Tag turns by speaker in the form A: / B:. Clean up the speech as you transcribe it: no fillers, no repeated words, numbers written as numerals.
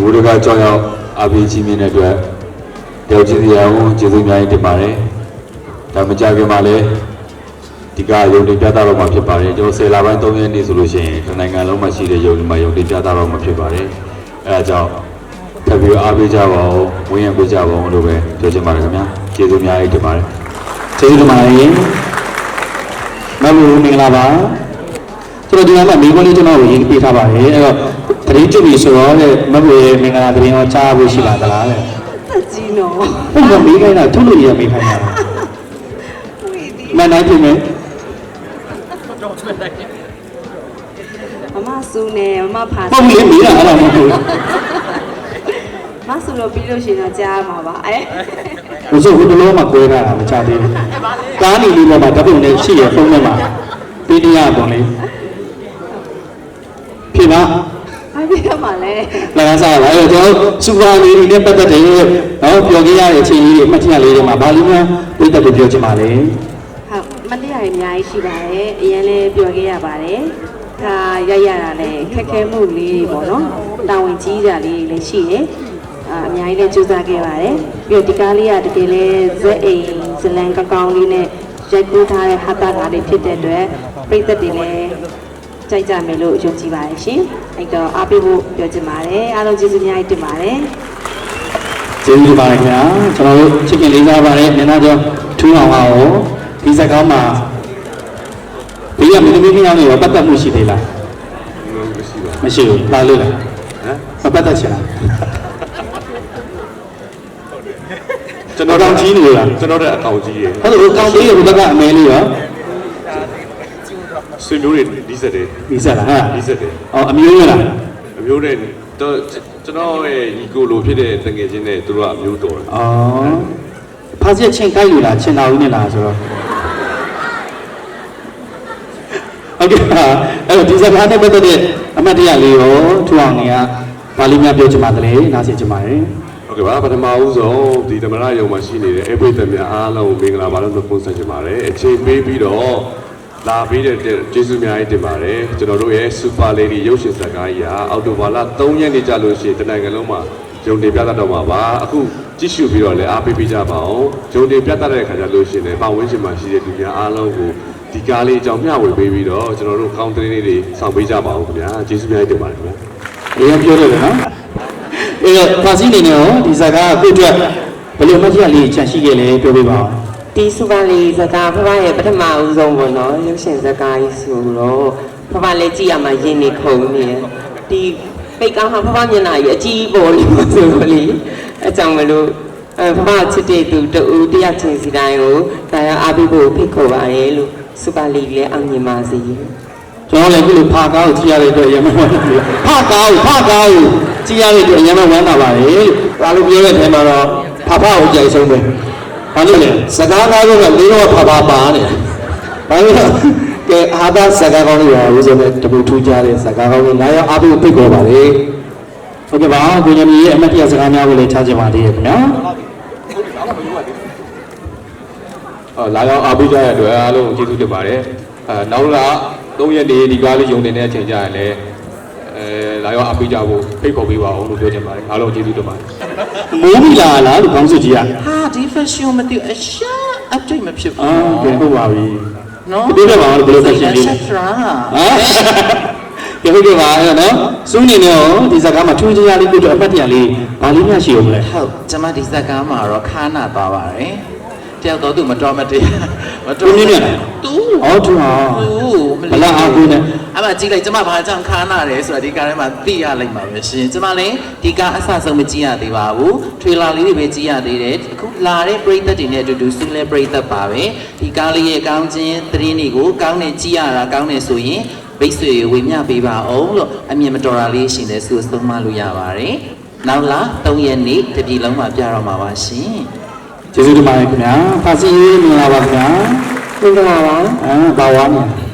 A: ဝရကကြောင်းရောက်အပီးကြီးမြင့်တဲ့အတွက်တယောက်ချင်းစီအောင်ကျေးဇူးအများကြီးတင်ပါတယ်ဒါမကြခင်မှာလည်းဒီကရုံတင်ပြသတော့မှာဖြစ်ပါတယ်ကျွန်တော်10လပိုင်း3ရက်နေ့ဆိုလို့ရှိရင်နိုင်ငံလုံးမှာရှိတဲ့ရုံတွေမှာရုံတင်ပြသတော့မှာဖြစ်ပါတယ်အဲဒါကြောင့်ထပ်ပြီးအားပေးကြပါဦးဝင်းရံပေးကြပါဦးလို့ပဲပြောချင်ပါတယ်ခင်ဗျာကျေးဇူးအများကြီးတင်ပါတယ်
B: ကျေးဇူးတင်ပါတယ်မမူမင်္ဂလာပါကျွန်တော်ဒီမှာမိခွန်းလေးကျွန်တော်ကိုရေးပေးထားပါတယ်အဲ့တော့တတိကျပြီဆိုတော့မမူရဲ့မင်္ဂလာသတင်းရောကြားဖို့ရှိပါသလားတဲ့
C: ကြီးနော်
B: ဟုတ်ကဲ့မိခိုင်းတာထုတ်လို့ရမိခိုင်းတာမနိုင်ပြီမယ်
C: မမဆူနေမမဖာ
B: ဟုတ်ပြီမိတာအဲ့လိုမဟုတ်ဘူး
C: မဆူတော့ပြီးလို့ရှိရင်တော့ကြားမှာပါ
B: ဘုဆိုဟိုတလုံးမှာကွဲထားတာမချသေးဘူးကားနေလေးပေါ်မှာဓာတ်ပုံနဲ့ရှိရဖုန်းထဲမှာပြီးတရားပုံလေးဖြစ်ပါ
C: အားပြရမှာလဲ
B: လမ်းစားပါအဲ့တော့ကျွန်တော်စူပါလေးတွေနဲ့ပတ်သက်တယ်နော်ပြောခဲ့ရတဲ့အချိန်လေးတွေမှတ်ချက်လေးတွေမှာဘာလို့များပြတ်တက်ပြောချင်ပါလဲ
C: ဟုတ်မတရားရအများကြီးရှိပါတယ်အရင်လည်းပြောခဲ့ရပါတယ်ဒါရရတာလည်းခက်ခဲမှုလေးတွေပေါ့နော်တာဝန်ကြီးကြလေးတွေလည်းရှိတယ်အများကြီးလည်းကြိုးစားခဲ့ပါတယ်ပြီးတော့ဒီကားလေးကတကယ်လဲဇက်အိမ်ဇလန်ကောင်းလေးနဲ့ရိုက်ကူးထားတဲ့ဟာတာလေးဖြစ်တဲ့အတွက်ပြည်သက်တွေလည်းကြိုက်ကြမယ်လို့ယုံကြည်ပါတယ်ရှင်အဲ့တော့အားပေးဖို့ပြောချင်ပါတယ်အားလုံးကျေးဇူးအများကြီးတင်ပါတယ်
B: ကျေးဇူးတင်ပါတယ်ခင်ဗျာကျွန်တော်တို့ချစ်ခင်လေးစားပါတယ်မျက်နှာကျော်ထူးအောင်အောင်ဒီစကားမှာဘေးကမင်းသမီးခင်အောင်နေရောပတ်သက်မှုရှိသေးလားမရှိဘူးလာလို့လားဟမ်မပတ်သက်ချင်လား
A: ကျွန်တော်တောင်ကြီးနေလားကျွန်တော်တဲ့အကောင်ကြီးရေ
B: ဟုတ်တယ်အကောင်ကြီးရေဘက်ကအမဲလေးရော
A: ဆွေမျိုးတွေဒီဆက်တယ်
B: ဒီဆက်လားဟာ
A: ဒီဆက်တယ်
B: အော်အမျိုးရလား
A: အမျိုးနဲ့တော့ကျွန်တော်ရဲ့ညီကိုလိုဖြစ်တဲ့တငယ်ချင်းနဲ့သူတို့ကအမျိုးတော်တယ်
B: အော်ဖားချက်ချင်းကိုက်လို့လားချင်းတော်ဦးနဲ့လားဆိုတော့ဟုတ်ကဲ့အဲ့တော့ဒီစကားနဲ့ပတ်သက်တဲ့အမှတ်တရလေးရောထူအောင်နေကဘာလို့များပြောချင်ပါသလဲနားဆင်ချင်ပါတယ်
A: ဟုတ်ကဲ့ပါပထမဦးဆုံးဒီသမရယုံမှာရှိနေတဲ့အဲ့ပိတ်သက်များအားလုံးမင်္ဂလာပါလို့ပြောဆက်ချင်ပါတယ်အချိန်ပေးပြီးတော့လာပြီးတဲ့ကျေးဇူးများကြီးတင်ပါတယ်ကျွန်တော်တို့ရဲ့ Super Lady ရုပ်ရှင်ဇာတ်ကားကြီးဟာအောက်တိုဘာလ3ရက်နေ့ကြာလို့ရှိရင်တနိုင်ငံလုံးမှာရုံတင်ပြသတော့မှာပါအခုကြည့်ရှုပြီးတော့လည်းအားပေးကြပါအောင်ရုံတင်ပြသတဲ့အခါကျလို့ရှိရင်ပတ်ဝန်းကျင်မှာရှိတဲ့လူများအားလုံးကိုဒီကားလေးအကြောင်းမျှဝေပေးပြီးတော့ကျွန်တော်တို့ကောင်းတဲ့လေးတွေဆောင်ပေးကြပါအောင်ခင်ဗျာကျေးဇူးများကြီးတင်ပါတယ်ခင်ဗျာ
B: အရင်ပြောတယ်နော်အဲ့တော့ဖာစီနေနေရောဒီဇာတ်ကားကိုအတွက်ဘယ်လိုမှတ်ချက်လေးချန်ရှိခဲ့လဲပြောပြပါဦး
C: ဒီစူပါလေးဇကာဖဖရဲ့ပထမဦးဆုံးပေါ့နော်ရုပ်ရှင်ဇကာကြီးဆိုတော့ဖဖလည်းကြည့်ရမှာရင်းနေခုန်နေတယ်ဒီပိတ်ကောင်းဟာဖဖမျက်နှာကြီးအကြီးပေါ်နေမှာဆိုလို့လေအကြောင်းမလို့ဖဖချစ်တဲ့သူတူတယောက်ချင်းစီတိုင်းကိုဒါရအားပေးဖို့ဖိတ်ခေါ်ပါတယ်လို့စူပါလေးလည်းအောင်မြင်ပါစေ
B: ကျွန်တော်လည်းခုလိုဖာကားကိုကြည့်ရတဲ့အတွက်ရမဝမ်းသာဘူးဖာကားကိုကြည့်ရတဲ့အတွက်ရမဝမ်းသာပါတယ်လို့ဒါလိုပြောတဲ့အချိန်မှာတော့ဖဖကိုကြိုက်ဆုံးပဲဘာလို့လဲစကားကားကလေးတော့ဖပါပါနေဘာလို့လဲကဲအာသာစကားကောင်းလေးပါဦးစနဲ့တပူထူးကြတဲ့စကားကောင်းလေးလာရောက်အားပေးဖိတ်ခေါ်ပါလေဟုတ်ကဲ့ပါကိုညမီရဲ့အမတ်တရစကားများကိုလည်းချားချင်ပါသေးရဲ့ခင်ဗျာ
A: လာရောက်အားပေးကြတဲ့အတွက်အားလုံးကျေးဇူးတင်ပါတယ်နောက်လာ3ရက်နေဒီကားလေးယုံနေတဲ့အချိန်ကျရင်လည်းလာရောက်အားပေးကြဖို့ဖိတ်ခေါ်ပေးပါအောင်လို့ပြောချင်ပါတယ်အားလုံးကျေးဇူးတင်ပါတယ်
B: မိုးမီလာလားလို့ခေါင်းစုကြီး
D: ဟာဒီ fashion မသိအရှာအတွေ့မဖြစ်ဘူး
B: ကဲဟုတ်ပါပြီ
D: နော်
B: ဒီတော့ဘာလို့ဘယ်လို fashion လေးလဲ
D: ဟာ
B: ကဲဟုတ်ကဲ့ပါအဲ့တော့နော်စူးနေနေရောဒီဇာတ်ကားမှာထူးခြားလေးကိုတော့အပတ်တရလေးဘာလေးများရှိအောင်လဲ
D: ဟုတ်ကျွန်မဒီဇာတ်ကားမှာတော့ခါနာသွားပါတယ်တယောက်တော့သူမတော်မတရား
B: မတော်မြင်မြင်
D: တူ
B: ဟောတူဟာဘလာအားကိုနဲ့
D: အမကြည့်လိုက်ကျမဘာကြောင့်ခါနာတယ်ဆိုတာဒီကားထဲမှာသိရလိုက်ပါပဲရှင်ကျမလည်းဒီကားအဆဆုံးမကြည့်ရသေးပါဘူးထွေလာလေးတွေပဲကြည့်ရသေးတယ်အခုလာတဲ့ပရိသတ်တွေနဲ့အတူတူစူးလဲပရိသတ်ပါပဲဒီကားလေးရဲ့ကောင်းခြင်းသတင်းတွေကိုကောင်းနေကြည့်ရတာကောင်းနေဆိုရင်ဘိတ်ဆွေဝေမျှပေးပါအောင်လို့အမြင်မတော်တာလေးရှင်လဲဆိုဆုံးမလို့ရပါတယ်နောက်လာ3ရက်နေ့တပြည်လုံးမှာပြတော့မှာပါရှင်
B: ကျေးဇူးတင်ပါတယ်ခင်ဗျာဖာစီမင်္ဂလာပါခင်ဗျာ
C: မင်္ဂလာပါ
B: ဘာဝါ